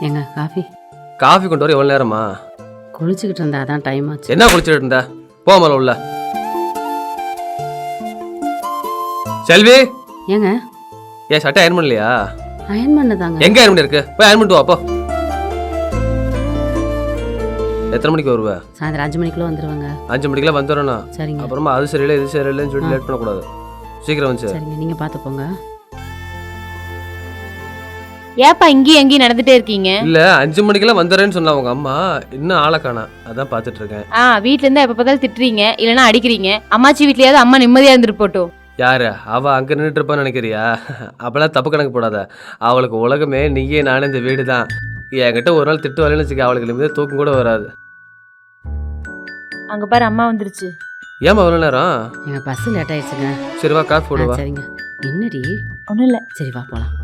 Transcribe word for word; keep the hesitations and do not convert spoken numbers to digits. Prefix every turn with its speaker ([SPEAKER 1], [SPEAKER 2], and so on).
[SPEAKER 1] ஏங்க coffee
[SPEAKER 2] coffee கொண்டு வர எவ்வளோ நேரமா?
[SPEAKER 1] குளிச்சுக்கிட்டு இருந்தா அதான் டைம் ஆச்சு.
[SPEAKER 2] என்ன குளிச்சுட்டு இருந்த? போமல உள்ள. செல்வி,
[SPEAKER 1] ஏங்க
[SPEAKER 2] ஏன் சட்டை அயர்ன் பண்ணலையா?
[SPEAKER 1] அயன் பண்ணதாங்க.
[SPEAKER 2] எங்க அயர்ன் பண்ணிருக்கு? போய் அயர்ன் பண்ணிட்டு வா போ. எத்தனை மணிக்கு வருவ?
[SPEAKER 1] சாயந்தரம் அஞ்சு மணிக்குள்ள வந்துருவாங்க.
[SPEAKER 2] அஞ்சு மணிக்கெல்லாம் வந்துடணும்.
[SPEAKER 1] சரிங்க.
[SPEAKER 2] அப்புறமா அது சரியில்லை இது சரியில்லைன்னு சொல்லிட்டு லேட் பண்ணக்கூடாது. சீக்கிரம் வந்து.
[SPEAKER 1] சரிங்க, நீங்க பார்த்து போங்க.
[SPEAKER 3] ஏப்பா இங்கேயும் எங்கேயும் நடந்துட்டே இருக்கீங்க?
[SPEAKER 2] இல்ல அஞ்சு மணிக்கெல்லாம் வந்துடுறேன்னு சொன்னா உங்க அம்மா, இன்னும் ஆளை காணா. அதான் பாத்துட்டு இருக்கேன்.
[SPEAKER 3] ஆ வீட்ல இருந்தா எப்ப பார்த்தாலும் திட்டுறீங்க இல்லைன்னா அடிக்கிறீங்க. அம்மாச்சி வீட்லயாவது அம்மா நிம்மதியா இருந்துட்டு போட்டோம்.
[SPEAKER 2] யாரு அவ அங்க நின்றுட்டு இருப்பான்னு நினைக்கிறியா? அப்பெல்லாம் தப்பு கணக்கு போடாத. அவளுக்கு உலகமே நீயே நானும் இந்த வீடு தான். என்கிட்ட ஒரு நாள் திட்டு வரலன்னு வச்சுக்க, அவளுக்கு நிம்மதியா தூக்கம் கூட வராது.
[SPEAKER 3] அங்க பாரு அம்மா வந்துருச்சு.
[SPEAKER 2] ஏமா அவ்வளோ நேரம்?
[SPEAKER 1] எங்க பஸ் லேட் ஆயிடுச்சுங்க.
[SPEAKER 2] சரி வா காஃபி
[SPEAKER 1] ஆ,
[SPEAKER 2] போடுவா.
[SPEAKER 1] சரிங்க. என்னடி?
[SPEAKER 3] ஒண்ணும் இல்ல.
[SPEAKER 1] சரி வா போலாம்.